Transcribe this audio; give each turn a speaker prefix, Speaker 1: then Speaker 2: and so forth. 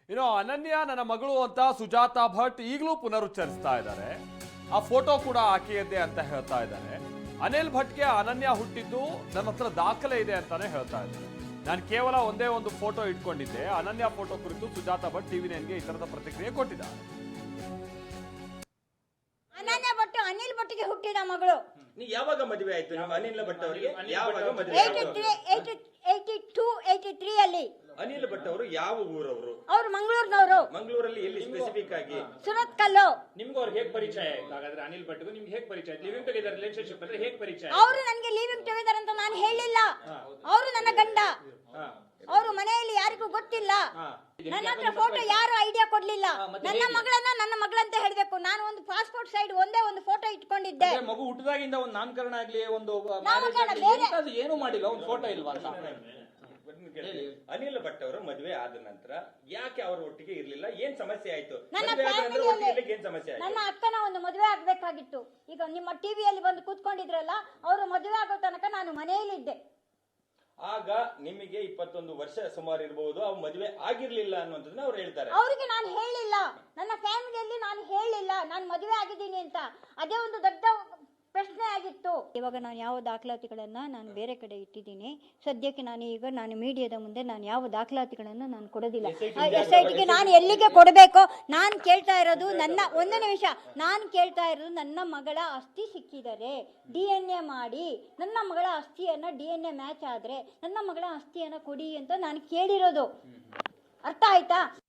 Speaker 1: ಇನ್ನು ಅನನ್ಯ ನನ್ನ ಮಗಳು ಅಂತ ಸುಜಾತಾ ಭಟ್ ಈಗಲೂ ಪುನರುಚ್ಚರಿಸ್ತಾ ಇದ್ದಾರೆ. ಆ ಫೋಟೋ ಕೂಡ ಆಕೆಯದ್ದೇ ಅಂತ ಹೇಳ್ತಾ ಇದ್ದಾರೆ. ಅನಿಲ್ ಭಟ್ಗೆ ಅನನ್ಯ ಹುಟ್ಟಿದ್ದು ನನ್ನ ಹತ್ರ ದಾಖಲೆ ಇದೆ ಅಂತಾನೆ ಹೇಳ್ತಾ ಇದ್ದಾರೆ. ನಾನು ಕೇವಲ ಒಂದೇ ಒಂದು ಫೋಟೋ ಇಟ್ಕೊಂಡಿದ್ದೆ. ಅನನ್ಯ ಫೋಟೋ ಕುರಿತು ಸುಜಾತಾ ಭಟ್ ಟಿವಿ9ಗೆ ಈ ತರದ ಪ್ರತಿಕ್ರಿಯೆ ಕೊಟ್ಟಿದ್ದಾರೆ.
Speaker 2: ಅನನ್ಯ ಭಟ್ ಅನಿಲ್ ಭಟ್ಗೆ ಹುಟ್ಟಿದ ಮಗಳು.
Speaker 3: ನೀವು ಯಾವಾಗ ಮದುವೆ ಆಯ್ತು ನಿಮ್ಮ ಅನಿಲ್ ಭಟ್ ಅವರಿಗೆ? ಯಾವಾಗ ಮದುವೆ?
Speaker 2: 83 ಅಲ್ಲಿ.
Speaker 3: ಅನಿಲ್ ಭಟ್ ಅವರು ಯಾವ ಊರವರು?
Speaker 2: ಅವರು ಮಂಗಳೂರಿನವರು.
Speaker 3: ಮಂಗಳೂರಲ್ಲಿ ಎಲ್ಲಿ ಸ್ಪೆಸಿಫಿಕ್ ಆಗಿ?
Speaker 2: ಸುರತ್ಕಲ್ಲು.
Speaker 4: ನಿಮ್ಗೆ ಅವ್ರಿಗೆ ಹೇಗೆ ಪರಿಚಯ ಆಯ್ತು? ಹಾಗಾದ್ರೆ ಅನಿಲ್ ಭಟ್ಗೂ ನಿಮ್ಗೆ ಹೇಗೆ ಪರಿಚಯ ಆಯ್ತು? ಲಿವಿಂಗ್ ಟುಗೆದರ್ ರಿಲೇಶನ್ಶಿಪ್ ಅಂದ್ರೆ ಹೇಗೆ ಪರಿಚಯ?
Speaker 2: ಅವರು ನನಗೆ ಲಿವಿಂಗ್ ಟುಗೆದರ್ ಅಂತ ನಾನು ಹೇಳಿಲ್ಲ. ಅವರು ನನ್ನ ಗಂಡ. ಅವರು ಮನೆಯಲ್ಲಿ ಯಾರಿಗೂ ಗೊತ್ತಿಲ್ಲ. ನನ್ನ ಹತ್ರ ಫೋಟೋ ಯಾರು ಐಡಿಯಾ ಕೊಡ್ಲಿಲ್ಲ. ನನ್ನ ಮಗಳನ್ನ ನನ್ನ ಮಗಳಂತ ಹೇಳ್ಬೇಕು. ನಾನು ಒಂದು ಪಾಸ್ಪೋರ್ಟ್ ಸೈಡ್ ಒಂದೇ ಒಂದು ಫೋಟೋ ಇಟ್ಕೊಂಡಿದ್ದೆ.
Speaker 4: ಮಗು ಹುಟ್ಟಿದಾಗಿಂದ ಒಂದು ನಾಮಕರಣ ಆಗ್ಲಿ ಒಂದು ಏನು ಮಾಡಿಲ್ಲ, ಒಂದು ಫೋಟೋ ಇಲ್ವಾ ಅಂತ.
Speaker 3: ಅನಿಲ್ ಭಟ್ ಅವರು ಮದುವೆ ಆದ ನಂತರ ಯಾಕೆ ಅವರ ಒಟ್ಟಿಗೆ ಇರ್ಲಿಲ್ಲ? ಏನ್ ಸಮಸ್ಯೆ ಆಯ್ತು?
Speaker 2: ನನ್ನ
Speaker 3: ಏನ್ ಸಮಸ್ಯೆ ಆಯ್ತು?
Speaker 2: ನನ್ನ ಅಕ್ಕನ ಒಂದು ಮದುವೆ ಆಗ್ಬೇಕಾಗಿತ್ತು. ಈಗ ನಿಮ್ಮ ಟಿವಿಯಲ್ಲಿ ಬಂದು ಕೂತ್ಕೊಂಡಿದ್ರಲ್ಲ, ಅವರು ಮದುವೆ ಆಗೋ ತನಕ ನಾನು ಮನೆಯಲ್ಲಿದ್ದೆ.
Speaker 3: ಆಗ ನಿಮಗೆ 21 ವರ್ಷ ಸುಮಾರು ಇರಬಹುದು. ಅವ್ರು ಮದುವೆ ಆಗಿರ್ಲಿಲ್ಲ ಅನ್ನುವಂಥದ್ದನ್ನ ಅವ್ರು ಹೇಳ್ತಾರೆ.
Speaker 2: ಅವರಿಗೆ ನಾನು ಹೇಳಿಲ್ಲ, ನನ್ನ ಫ್ಯಾಮಿಲಿಯಲ್ಲಿ ನಾನು ಹೇಳಿಲ್ಲ ನಾನು ಮದುವೆ ಆಗಿದ್ದೀನಿ ಅಂತ. ಅದೇ ಒಂದು ದೊಡ್ಡ ಪ್ರಶ್ನೆ ಆಗಿತ್ತು. ಇವಾಗ ನಾನು ಯಾವ ದಾಖಲಾತಿಗಳನ್ನ ನಾನು ಬೇರೆ ಕಡೆ ಇಟ್ಟಿದ್ದೀನಿ. ಸದ್ಯಕ್ಕೆ ನಾನು ಮೀಡಿಯಾದ ಮುಂದೆ ನಾನು ಯಾವ ದಾಖಲಾತಿಗಳನ್ನ ನಾನು ಕೊಡೋದಿಲ್ಲ. SITಗೆ ನಾನು ಎಲ್ಲಿಗೆ ಕೊಡಬೇಕು? ನಾನು ಕೇಳ್ತಾ ಇರೋದು ಒಂದು ನಿಮಿಷ, ನಾನು ಕೇಳ್ತಾ ಇರೋದು ನನ್ನ ಮಗಳ ಅಸ್ಥಿ ಸಿಕ್ಕಿದರೆ DNA ಮಾಡಿ ನನ್ನ ಮಗಳ ಅಸ್ಥಿಯನ್ನ DNA ಮ್ಯಾಚ್ ಆದ್ರೆ ನನ್ನ ಮಗಳ ಅಸ್ಥಿಯನ್ನ ಕೊಡಿ ಅಂತ ನಾನು ಕೇಳಿರೋದು. ಅರ್ಥ ಆಯ್ತಾ?